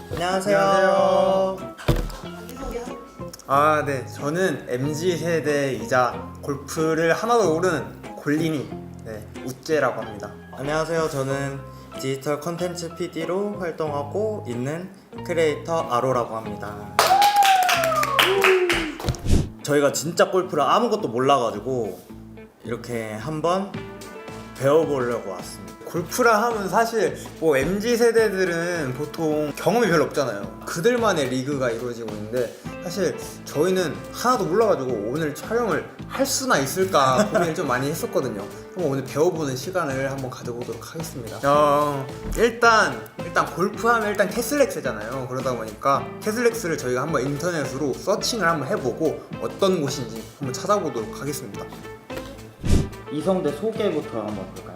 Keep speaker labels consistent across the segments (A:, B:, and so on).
A: 안녕하세요.
B: 네. 저는 MZ세대이자 골프를 하나도 모르는 골린이 우째라고 합니다.
A: 안녕하세요. 저는 디지털 콘텐츠 PD로 활동하고 있는 크리에이터 아로라고 합니다. 저희가 진짜 골프를 아무것도 몰라가지고 이렇게 한번 배워보려고 왔습니다.
B: 골프라 하면 사실 뭐 MZ세대들은 보통 경험이 별로 없잖아요. 그들만의 리그가 이루어지고 있는데 사실 저희는 하나도 몰라가지고 오늘 촬영을 할 수나 있을까 고민을 좀 많이 했었거든요. 한번 오늘 배워보는 시간을 한번 가져보도록 하겠습니다. 일단 골프하면 일단 캐슬렉스잖아요. 그러다 보니까 캐슬렉스를 저희가 한번 인터넷으로 서칭을 한번 해보고 어떤 곳인지 한번 찾아보도록 하겠습니다.
A: 이성대 소개부터 한번 볼까요?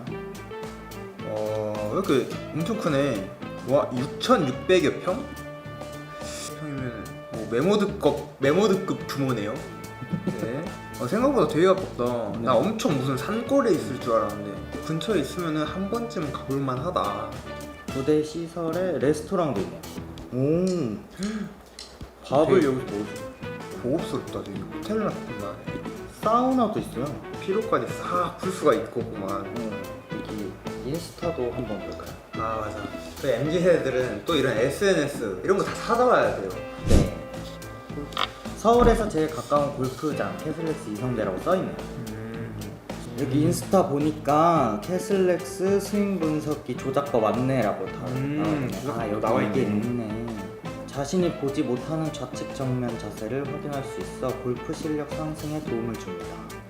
B: 이렇게 엄청 크네. 와, 6,600여 평? 평이면 뭐 메모드급 규모네요. 네. 생각보다 되게 가깝다. 나 엄청 무슨 산골에 있을 줄 알았는데 근처에 있으면은 한 번쯤 가볼만 하다.
A: 부대 시설에 레스토랑도 있네요.
B: 오,
A: 밥을
B: 되게
A: 여기서 먹어줘.
B: 고급스럽다. 되게 호텔 같구나.
A: 사우나도 있어요.
B: 피로까지 싹 풀 수가 있고구만.
A: 여기 인스타도 한번 볼까요?
B: 맞아. 저희 MZ세대들은 또 이런 SNS 이런 거 다 찾아봐야 돼요.
A: 네. 서울에서 제일 가까운 골프장 캐슬렉스 이성대라고 써있네요. 여기 인스타 보니까 캐슬렉스 스윙 분석기 조작법 안내라고 다 나와있네. 여기
B: 나와
A: 이게
B: 있네.
A: 있네. 자신이 보지 못하는 좌측 정면 자세를 확인할 수 있어 골프 실력 상승에 도움을 줍니다.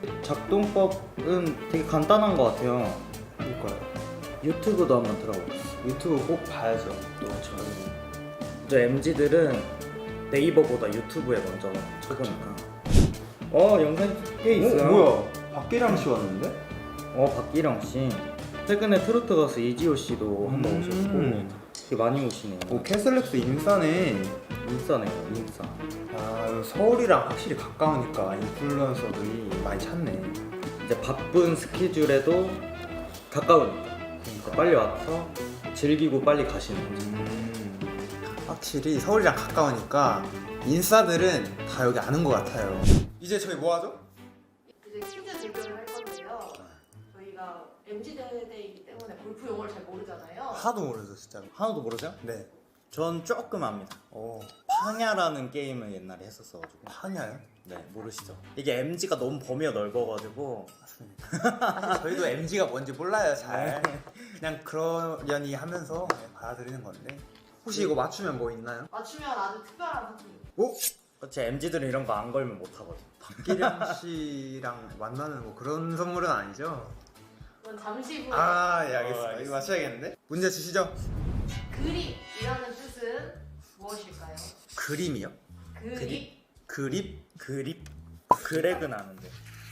A: 작동법은 되게 간단한 것 같아요.
B: 그러니까요.
A: 유튜브도 한번 들어보겠습니다.
B: 유튜브 꼭 봐야죠. 또
A: 저 MZ들은 네이버보다 유튜브에 먼저 쳐보니까 영상이 꽤 있어요.
B: 뭐야? 박기량 씨 왔는데?
A: 박기령 씨 최근에 트로트 가수 이지호 씨도 한번 오셨고 되게 많이 오시네요.
B: 캐슬렉스 인싸네.
A: 인싸네요, 인싸.
B: 서울이랑 확실히 가까우니까 인플루언서들이 많이 찾네.
A: 이제 바쁜 스케줄에도 가까우니까 빨리 와서 즐기고 빨리 가시는 거죠.
B: 확실히 서울이랑 가까우니까 인싸들은 다 여기 아는 것 같아요. 이제 저희 뭐 하죠?
C: 이제 퀴즈 대결을 할 건데요. 저희가 MZ세대이기 때문에 골프 용어를 잘 모르잖아요.
B: 하나도 모르죠, 진짜로.
A: 하나도 모르세요?
B: 네.
A: 전 조금 압니다. 파냐라는 게임을 옛날에 했었어가지고.
B: 파냐요?
A: 네, 모르시죠? 이게 MG가 너무 범위가 넓어가지고
B: 저희도 MG가 뭔지 몰라요, 잘. 그냥 그러려니 하면서 받아들이는 건데. 혹시 이거 맞추면 뭐 있나요?
C: 맞추면 아주 특별한 상품이.
B: 오?
A: 제 MG들은 이런 거 안 걸면 못 하거든.
B: 박기량 씨랑 만나는 뭐 그런 선물은 아니죠?
C: 그건 잠시 후에.
B: 예, 알겠습니다.
A: 알겠습니다.
B: 이거 맞춰야겠는데? 문제 주시죠.
C: 그립이라는 뜻은 무엇일까요?
B: 그림이요? 그립?
A: 그립? 그렉은 아는데.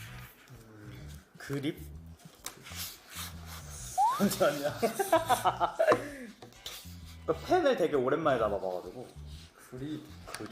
A: 그립? 잠시만요. 펜을 되게 오랜만에 잡아봐가지고. 그립.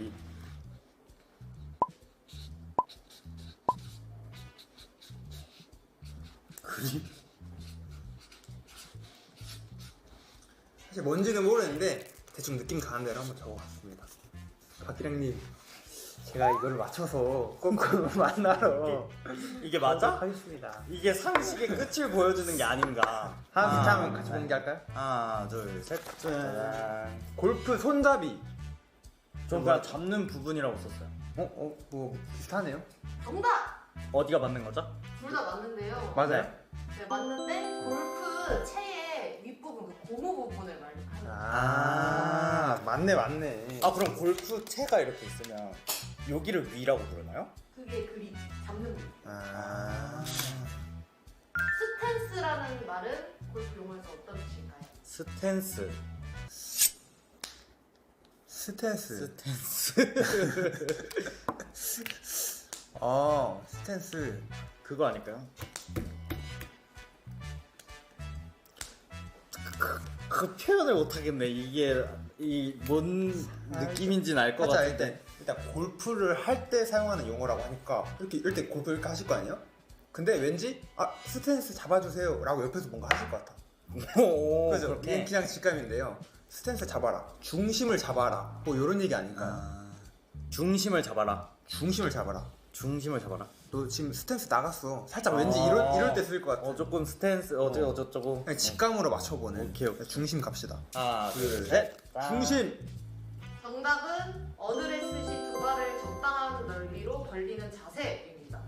B: 사실 뭔지는 모르는데 대충 느낌 가는 대로 한번 적어봤습니다. 박기량님, 제가 이걸 맞춰서 꼭 만나러
A: 이게 맞아?
B: 하겠습니다.
A: 이게 상식의 끝을 보여주는 게 아닌가.
B: 하나 둘 한번 같이 공개할까요?
A: 하나, 둘, 셋. 짜잔.
B: 골프 손잡이.
A: 전 그냥 잡는 부분이라고 썼어요.
B: 뭐 비슷하네요.
C: 정답!
A: 어디가 맞는 거죠?
C: 둘 다 맞는데요.
B: 맞아요?
C: 네, 맞는데 골프 채의 윗부분, 그 고무 부분을 말하는
B: 맞네.
A: 그럼 골프 채가 이렇게 있으면 여기를 위라고 부르나요?
C: 그게 그립, 잡는 부분. 스탠스라는 말은 골프 용어에서 어떤 뜻일까요?
A: 스탠스.
B: 스탠스. 스탠스.
A: 그거 아닐까요? 그 표현을 못 하겠네. 이게 뭔 느낌인지는 알 것 같은데.
B: 일단 골프를 할 때 사용하는 용어라고 하니까 이렇게 골프 이렇게 하실 거 아니에요? 근데 왠지 스탠스 잡아주세요 라고 옆에서 뭔가 하실 것 같아.
A: 오,
B: 그죠?
A: 그렇게?
B: 그냥 직감인데요. 스탠스 잡아라, 중심을 잡아라, 뭐 이런 얘기 아닐까요?
A: 중심을 잡아라.
B: 중심을 잡아라.
A: 중심을 잡아라.
B: 너 지금 스탠스 나갔어. 살짝 왠지 이럴 때 쓸 것 같아.
A: 조금 스탠스 어쩌고.
B: 그냥 직감으로 맞춰보는.
A: 오케이, 오케이.
B: 중심 갑시다.
A: 하나,
B: 둘,
A: 셋.
B: 중심.
C: 정답은 어드레스 시 두 발을 적당한 넓이로 벌리는 자세입니다.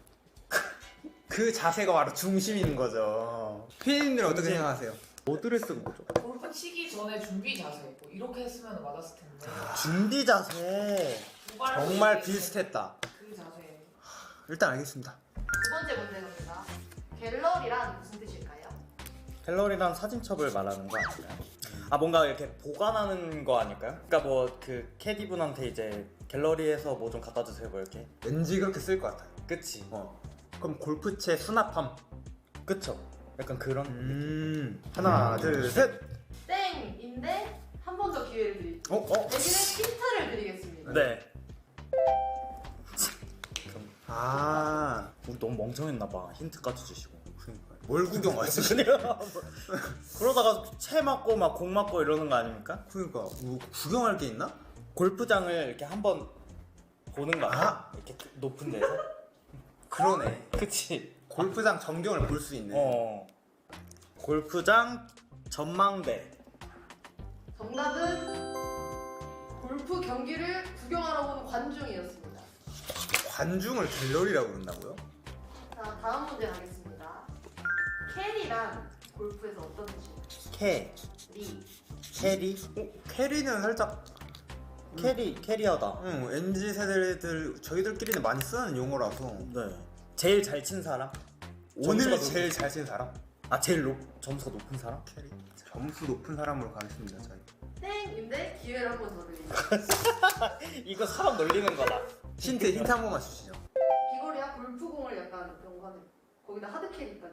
B: 그 자세가 바로 중심인 거죠. 피디님들은 어떻게
A: 중심.
B: 생각하세요?
A: 어드레스가 뭐죠?
D: 골프 치기 전에 준비 자세 뭐 이렇게 했으면 맞았을 텐데
A: 준비 자세.
D: 두 발로
B: 정말
D: 이렇게
B: 비슷했다.
D: 그 자세.
B: 일단 알겠습니다.
C: 두 번째 문제 갑니다. 갤러리란 무슨 뜻일까요?
A: 갤러리란 사진첩을 말하는 거 아닐까요? 뭔가 이렇게 보관하는 거 아닐까요? 그러니까 뭐 그 캐디분한테 이제 갤러리에서 뭐 좀 갖다 주세요, 뭐 이렇게.
B: 왠지 그렇게 쓸 것 같아요.
A: 그치?
B: 그럼 골프채 수납함.
A: 그쵸? 약간 그런 느낌.
B: 하나, 둘, 셋.
C: 땡인데 한 번 더 기회를 드릴게요. 대신에 힌트를 드리겠습니다.
A: 네.
B: 아,
A: 우리 너무 멍청했나 봐. 힌트까지 주시고.
B: 뭘 구경 왔어?
A: 그러다가 채 맞고 막 공 맞고 이러는 거 아닙니까?
B: 그러니까 뭐 구경할 게 있나?
A: 골프장을 이렇게 한번 보는 거 아니야? 이렇게 높은 데서?
B: 그러네.
A: 그치?
B: 골프장 전경을 볼 수 있네.
A: 골프장 전망대.
C: 정답은 골프 경기를 구경하러 오는 관중이었습니다.
B: 관중을 갤러리라고 그런다고요?
C: 자, 다음 문제 가겠습니다. 캐리란 골프에서 어떤 뜻일까요?
A: 캐리.
B: 캐리는 살짝
A: 캐리어다.
B: MZ 세대들 저희들끼리는 많이 쓰는 용어라서.
A: 네. 제일 잘 친 사람?
B: 오늘
A: 점수가
B: 제일 잘 친 사람?
A: 제일 점수가 높은 사람?
B: 캐리. 점수 높은 사람으로 가겠습니다. 저희.
C: 땡인데 기회를 한 번 더 드립니다.
A: 이거 사람 놀리는 거다.
B: 힌트 한 번만 주시죠.
C: 비거리와 골프공을 약간 연관해. 거기다 하드 캐리까지.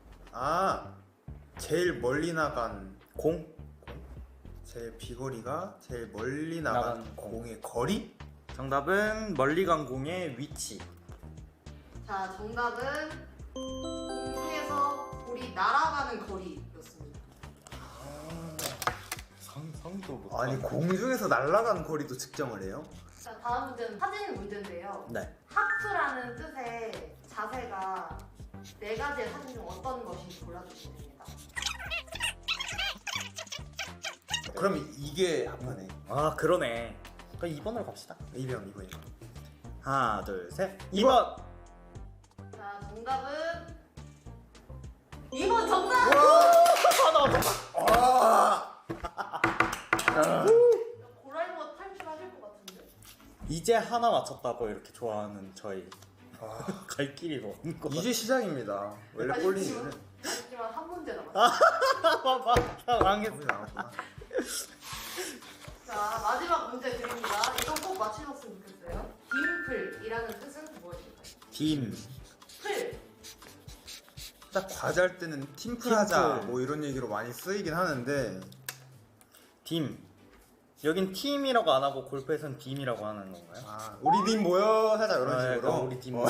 B: 제일 멀리 나간
A: 공?
B: 제일 비거리가 제일 멀리 나간
A: 나간 공.
B: 공의 거리?
A: 정답은 멀리 간 공의 위치.
C: 자, 정답은 공중에서 볼이 날아가는 거리였습니다.
A: 상도 못.
B: 아니 공중에서 날아간 거리도 측정을 해요?
C: 자, 다음 문제는 사진 문제인데요.
A: 네.
C: 하프라는 뜻의 자세가 네 가지의 사진 중 어떤 것인지 골라주시면 됩니다.
B: 그럼 이게 하프네.
A: 그러네. 그럼 2번으로 갑시다.
B: 2번.
A: 하나, 둘, 셋. 2번.
C: 자, 정답은 2번 정답! 고라이버 탈출하실 것 같은데.
A: 이제 하나 맞췄다고 이렇게 좋아하는 저희. 갈 길이 먼 거.
B: 이제 시작입니다. 원래 꼴리는
C: 하지만 한 문제 남았어요.
A: 망했어.
B: 나왔구나.
C: 자, 마지막 문제 드립니다. 이건 꼭 맞추셨으면 좋겠어요. 딤플이라는 뜻은 무엇일까요?
A: 팀.
C: 풀.
B: 딱 과제할 때는 팀플 하자 뭐 이런 얘기로 많이 쓰이긴 하는데
A: 팀. 여긴 팀이라고 안 하고 골프에서는 빔이라고 하는 건가요?
B: 우리 팀 모여 살짝 이런 식으로.
A: 약간 우리 팀.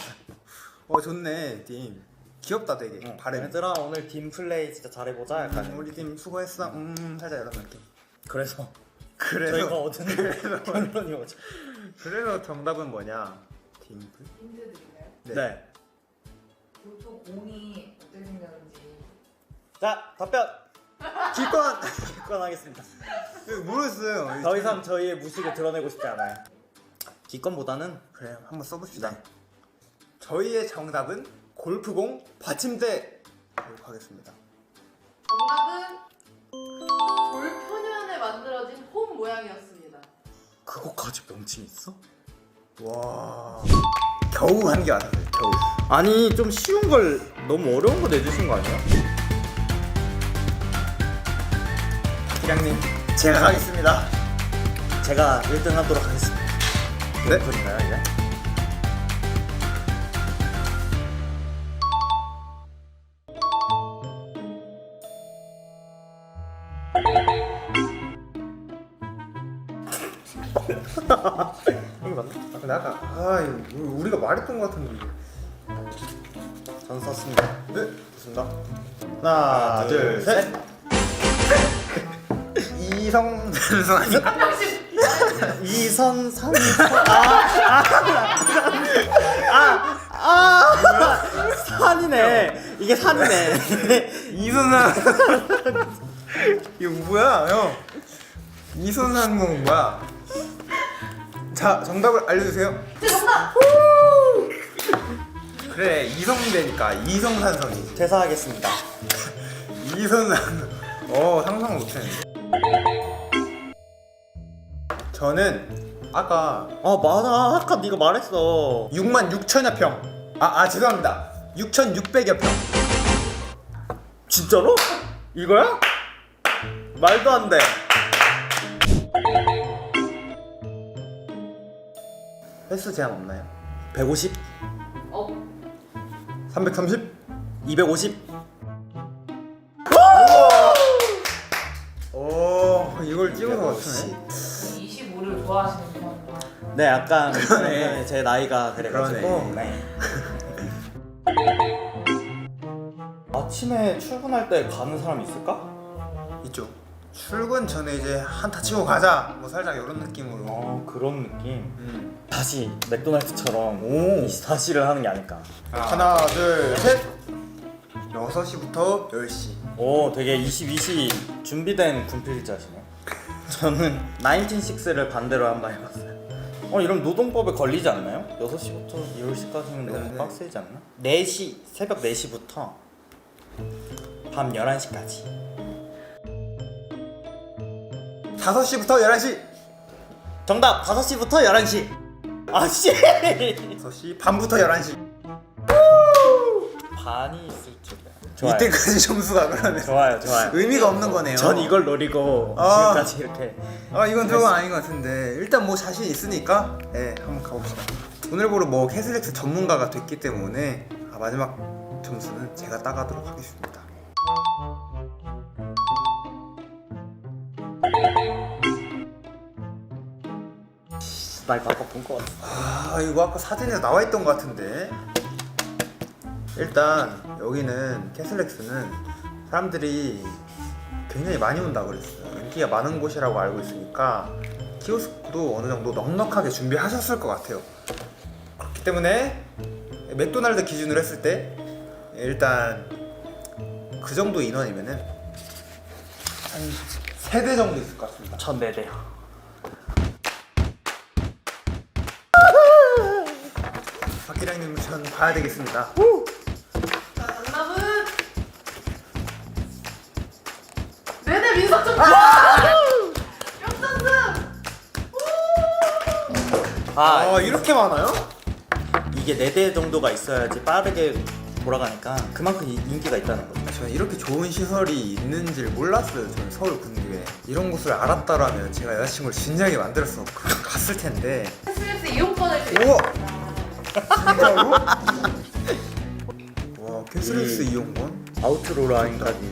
B: 좋네 팀. 귀엽다 되게. 발음.
A: 얘들아 오늘 팀 플레이 진짜 잘해보자. 약간
B: 우리 팀 수고했어. 살짝 이런 느낌.
A: 그래서 저희가 얻은 결론이 오죠.
B: 그래서 정답은 뭐냐? 팀플?
D: 힌트 드릴까요?
A: 네.
D: 골프 공이 어떻게 생겼는지.
A: 자 답변
B: 기권.
A: 기권하겠습니다.
B: 모르겠어요.
A: 더 이상 저희의 무식을 드러내고 싶지 않아요. 기권보다는
B: 그래 한번 써봅시다. 저희의 정답은 골프공 받침대. 하겠습니다.
C: 정답은 돌 표면에 만들어진 홈 모양이었습니다.
A: 그거까지 명칭 있어?
B: 와. 겨우 한 게 왔어요. 겨우.
A: 아니 좀 쉬운 걸 너무 어려운 거 내주신 거 아니야?
B: 기량님 제가 가겠습니다.
A: 제가 1등 하도록 하겠습니다.
B: 네.
A: 소리인가요 이제?
B: 이게 맞나? 근데 아까 이거 우리가 말했던 것 같은데 이게.
A: 전 썼습니다.
B: 네, 좋습니다.
A: 하나, 둘, 셋.
B: 이성산성 아닌가?
D: 한 명씩
A: 이선상 산이네. 이게 산이네.
B: 이선상 이거 뭐야 형? 이선상공 뭐야? 자 정답을 알려주세요.
C: 제 정답!
B: 그래 이성대니까 이성산성이지.
A: 퇴사하겠습니다.
B: 이선상 상상 못했는데. 저는 아까
A: 맞아. 아까 네가 말했어.
B: 6만 6천여 평. 죄송합니다. 6,600여 평.
A: 진짜로? 이거야? 말도 안 돼.
B: 횟수 제한 없나요?
A: 150,
B: 330?
A: 250.
B: 이걸 찍어서 맞추네.
D: 25를 좋아하시는 분이구나.
A: 네, 약간
B: 그러네.
A: 제 나이가 그래가지고.
B: 그러네.
A: 네. 아침에 출근할 때 가는 사람 있을까?
B: 있죠. 출근 전에 이제 한타 치고 가자. 뭐 살짝 이런 느낌으로.
A: 그런 느낌. 다시 맥도날드처럼
B: 오.
A: 24시를 하는 게 아닐까.
B: 하나, 둘, 셋. 6시부터 10시.
A: 오, 되게 22시 준비된 군필자시네. 저는 1906를 반대로 한번 해봤어요. 이러면 노동법에 걸리지 않나요? 6시부터 10시까지는 너무
B: 네.
A: 빡세지 않나? 4시, 새벽 4시부터 밤 11시까지.
B: 5시부터 11시.
A: 정답! 5시부터 11시! 씨!
B: 6시 반부터 11시.
A: 반이 있을 줄이야. 좋아요.
B: 이때까지 점수가 그러면
A: 좋아요, 좋아요.
B: 의미가 없는 거네요.
A: 전 이걸 노리고 지금까지 이렇게.
B: 이건 조금 아닌 것 같은데 일단 뭐 자신 있으니까 한번 가봅시다. 오늘 보러 뭐 캐슬렉스 전문가가 됐기 때문에 마지막 점수는 제가 따가도록 하겠습니다.
A: 나 이거 아까 본 거 같아.
B: 이거 아까 사진에 나와 있던 것 같은데. 일단 여기는 캐슬렉스는 사람들이 굉장히 많이 온다고 그랬어요. 인기가 많은 곳이라고 알고 있으니까 키오스크도 어느 정도 넉넉하게 준비하셨을 것 같아요. 그렇기 때문에 맥도날드 기준으로 했을 때 일단 그 정도 인원이면은 한 3대 정도 있을 것 같습니다.
A: 전 4대요.
B: 박기량님 전 봐야 되겠습니다.
C: 자, 정답은 네네 민석준! 역전승!
B: 이렇게 많아요?
A: 이게 4대 정도가 있어야지 빠르게 돌아가니까 그만큼 인기가 있다는 거죠.
B: 저는 이렇게 좋은 시설이 있는지를 몰랐어요. 저는 서울 근교에 이런 곳을 알았다라면 제가 여자친구를 진작에 만들어서 갔을 텐데.
C: 캐슬렉스 이용권을
B: 우와!
C: 드립니다.
B: 진짜로? 와 캐슬렉스 이용권?
A: 아웃로 라인까지.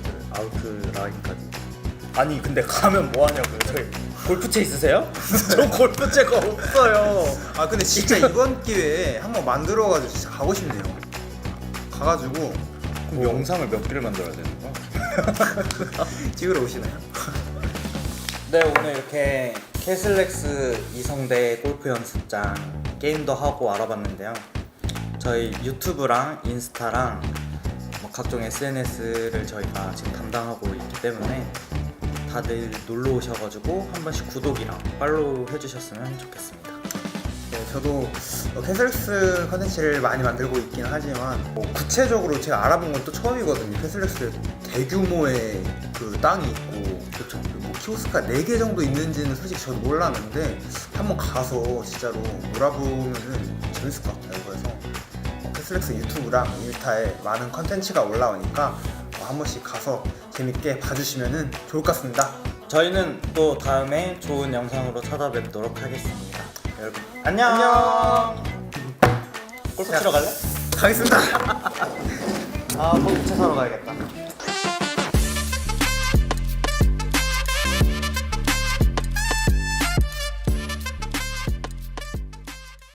A: 아니 근데 가면 뭐 하냐고요? 저희 골프채 있으세요? 저 골프채가 없어요.
B: 근데 진짜 이번 기회에 한번 만들어가지고 진짜 가고 싶네요. 가가지고
A: 그럼 영상을 몇 개를 만들어야 되는 거야?
B: 찍으러 오시나요?
A: 네, 오늘 이렇게 캐슬렉스 이성대 골프 연습장 게임도 하고 알아봤는데요. 저희 유튜브랑 인스타랑 뭐 각종 SNS를 저희가 지금 담당하고 있기 때문에 다들 놀러 오셔가지고 한 번씩 구독이랑 팔로우 해주셨으면 좋겠습니다.
B: 네, 저도 캐슬렉스 컨텐츠를 많이 만들고 있긴 하지만 구체적으로 제가 알아본 건 또 처음이거든요. 캐슬렉스에 대규모의 그 땅이 있고 그렇죠. 뭐 키오스크가 4개 정도 있는지는 솔직히 저도 몰랐는데 한번 가서 진짜로 놀아보면은 재밌을 것 같아요. 그래서 캐슬렉스 유튜브랑 인스타에 많은 컨텐츠가 올라오니까 한 번씩 가서 재밌게 봐주시면 좋을 것 같습니다.
A: 저희는 또 다음에 좋은 영상으로 찾아뵙도록 하겠습니다. 여러분 안녕. 골프 치러 갈래?
B: 가겠습니다.
A: 골프채 사러 가야겠다.